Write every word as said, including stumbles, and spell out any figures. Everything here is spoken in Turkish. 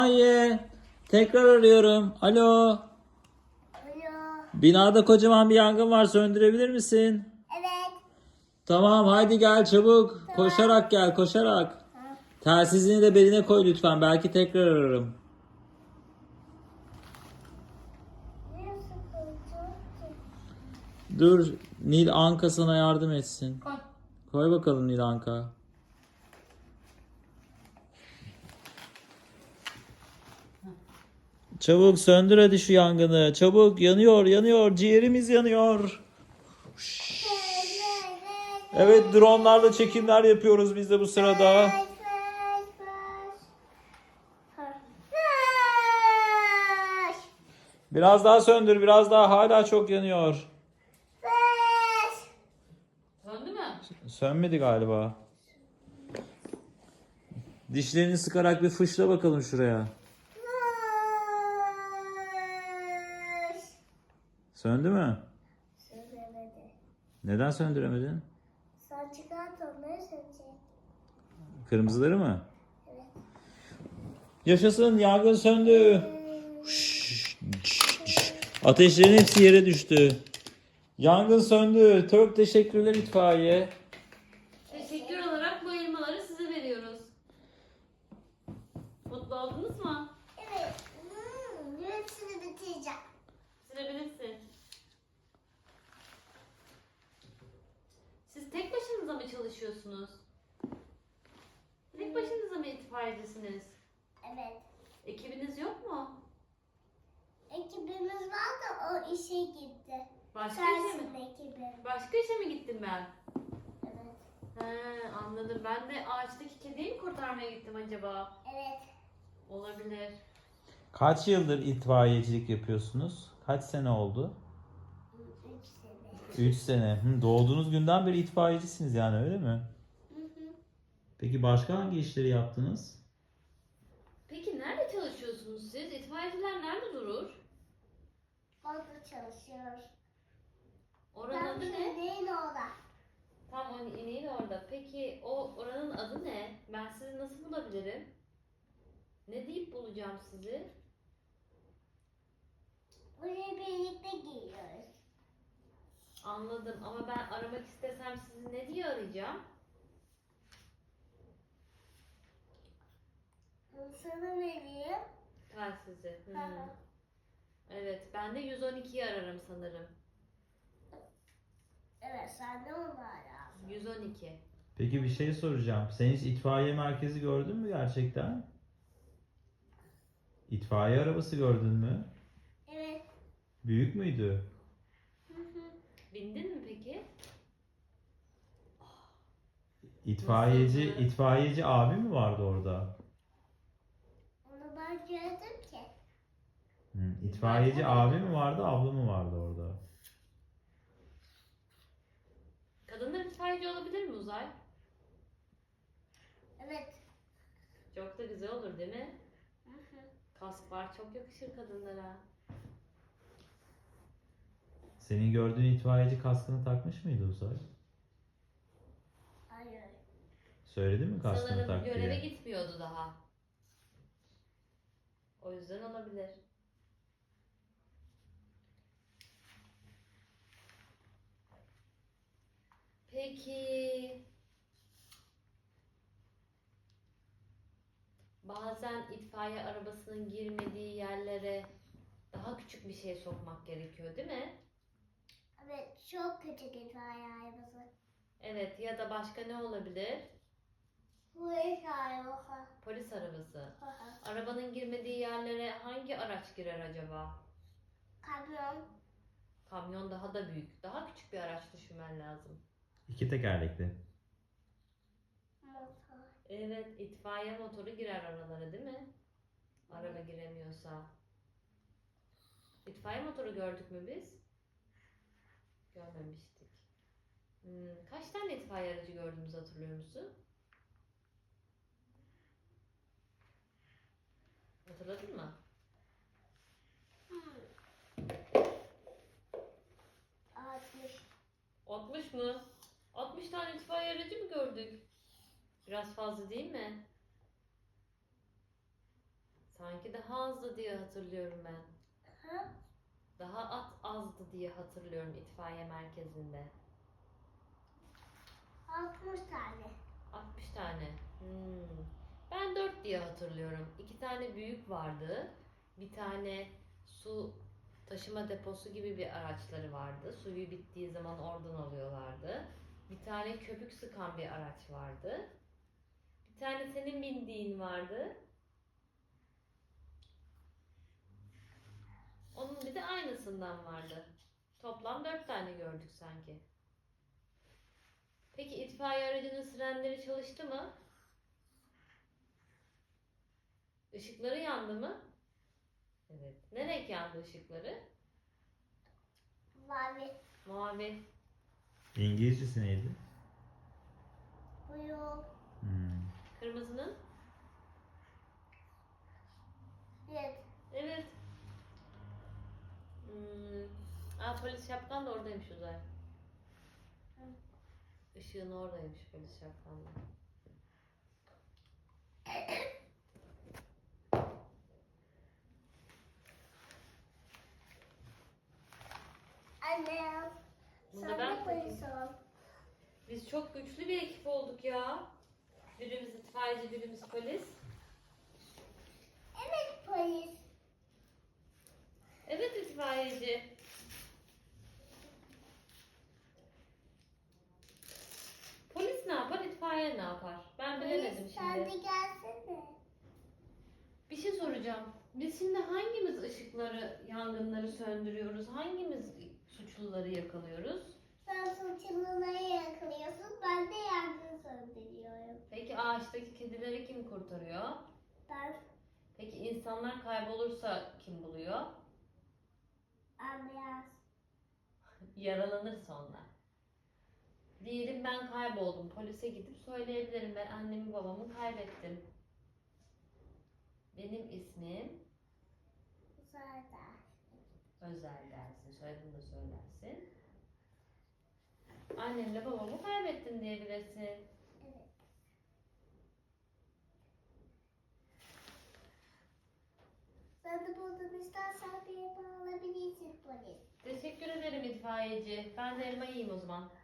Hayır. Tekrar arıyorum. Alo. Alo. Binada kocaman bir yangın var. Söndürebilir misin? Evet. Tamam, haydi gel çabuk. Tamam. Koşarak gel, koşarak. Ha. Telsizini de beline koy lütfen. Belki tekrar ararım. Ne sıkıntı? Dur, Nil Anka sana yardım etsin. Koy. Koy bakalım Nil Anka. Çabuk söndür hadi şu yangını. Çabuk, yanıyor, yanıyor. Ciğerimiz yanıyor. Evet, dronlarla çekimler yapıyoruz biz de bu sırada. Flash, flash, flash. Ha. Flash. Biraz daha söndür, biraz daha. Hala çok yanıyor. Flash. Söndü mü? Sönmedi galiba. Dişlerini sıkarak bir fışla bakalım şuraya. Flash. Söndü mü? Söylemedi. Neden söndüremedin? Sen çıkart onları söyleyecek. Kırmızıları mı? Evet. Yaşasın, yangın söndü. Ateşlerin hepsi yere düştü. Yangın söndü. Çok teşekkürler itfaiye. Teşekkür olarak bu elmaları size veriyoruz. Mutlu oldunuz mu? Evet. Hmm, hepsini bitireceğim. Bitirebilirsin. Siz tek başınıza mı çalışıyorsunuz? Tek başınıza mı itfaiyecisiniz? Evet. Ekibiniz yok mu? Ekibimiz var da o işe gitti. Başka işe Sensin mi? ekibi. Başka işe mi gittim ben? Evet. He, anladım. Ben de ağaçtaki kediyi mi kurtarmaya gittim acaba? Evet. Olabilir. Kaç yıldır itfaiyecilik yapıyorsunuz? Kaç sene oldu? Üç sene. üç sene. Hı, doğduğunuz günden beri itfaiyecisiniz yani, öyle mi? Hı hı. Peki başka hangi işleri yaptınız? Peki nerede çalışıyorsunuz siz? İtfaiyeciler nerede durur? Orada çalışıyor. Oranın Ben adı ne? değil orada. Tam o ineğin orada. Peki o oranın adı ne? Ben sizi nasıl bulabilirim? Ne deyip bulacağım sizi? Buraya birlikte giyiyoruz. Anladım ama ben aramak istesem sizi ne diye arayacağım? Sana vereyim. Telsizi. Hmm. Hı hı. Evet, ben de yüz on ikiyi ararım sanırım. Evet, sen de onu ara. yüz on iki. Peki bir şey soracağım. Sen hiç itfaiye merkezi gördün mü gerçekten? İtfaiye arabası gördün mü? Evet. Büyük müydü? Hı hı. Bindin mi peki? İtfaiyeci, Nasıldı? itfaiyeci abi mi vardı orada? Onu ben gördüm ki. Hı, itfaiyeci abi mi vardı, abla mı vardı orada? Kadınlar itfaiyeci olabilir mi Uzay? Evet. Çok da güzel olur değil mi? Hı hı. Kask var, çok yakışır kadınlara. Senin gördüğün itfaiyeci kaskını takmış mıydı Uzay? Hayır. Söyledi mi kaskını Sanırım tak göreve diye? gitmiyordu daha. O yüzden olabilir. Peki bazen itfaiye arabasının girmediği yerlere daha küçük bir şey sokmak gerekiyor, değil mi? Evet, çok küçük itfaiye arabası. Evet, ya da başka ne olabilir? Bu iş arabası. Polis arabası. Hı hı. Arabanın girmediği yerlere hangi araç girer acaba? Kamyon. Kamyon daha da büyük. Daha küçük bir araç düşünmen lazım. İki tekerlekli. Motor. Evet, itfaiye motoru girer aralara, değil mi? Araba giremiyorsa. İtfaiye motoru gördük mü biz? Görmemiştik. Hmm, kaç tane itfaiye aracı gördüğümüzü hatırlıyor musun? Hatırladın mı? Hmm. altmış. altmış mı? altmış tane itfaiye aracı mı gördük? Biraz fazla değil mi? Sanki daha azdı diye hatırlıyorum ben. Ha? Daha at azdı diye hatırlıyorum itfaiye merkezinde. altmış tane. altmış tane. Hmm. Ben dört diye hatırlıyorum. İki tane büyük vardı. Bir tane su taşıma deposu gibi bir araçları vardı. Suyu bittiği zaman oradan alıyorlardı. Bir tane köpük sıkan bir araç vardı. Bir tane senin bindiğin vardı. Onun bir de aynısından vardı. Toplam dört tane gördük sanki. Peki itfaiye aracının sirenleri çalıştı mı? Işıkları yandı mı? Evet. Ne renk yandı ışıkları? Mavi. Mavi. İngilizcesi neydi? Blue. Hmm. Kırmızının? Red. Evet. Hmm. Aa, polis şapkan da oradaymış Uzay. Işığın oradaymış polis şapkan da. Anne. Bunu da Sen ben de takayım. polis ol. Biz çok güçlü bir ekip olduk ya. Birimiz itfaiyeci, birimiz polis. Evet polis. Evet itfaiyeci. Polis ne yapar, itfaiye ne yapar? Ben bilemedim Polis sen de şimdi. gelsene. Bir şey soracağım. Biz şimdi hangimiz ışıkları, yangınları söndürüyoruz? Hangimiz suçluları yakalıyoruz? Sen suçluları yakalıyorsun. Ben de yangın söndürüyorum. Peki ağaçtaki kedileri kim kurtarıyor? Ben Peki insanlar kaybolursa kim buluyor? ambulans. Yaralanırsa onlar. Diyelim ben kayboldum. Polise gidip söyleyebilirim. Ben annemi babamı kaybettim. Benim ismim Uzayda. Özel dersin. Soyadını da söylersin. Annemle babamı kaybettim diyebilirsin. Evet. Sen de buradan istersen bir elma alabilirsin polis. Teşekkür ederim itfaiyeci. Ben de elma yiyeyim o zaman.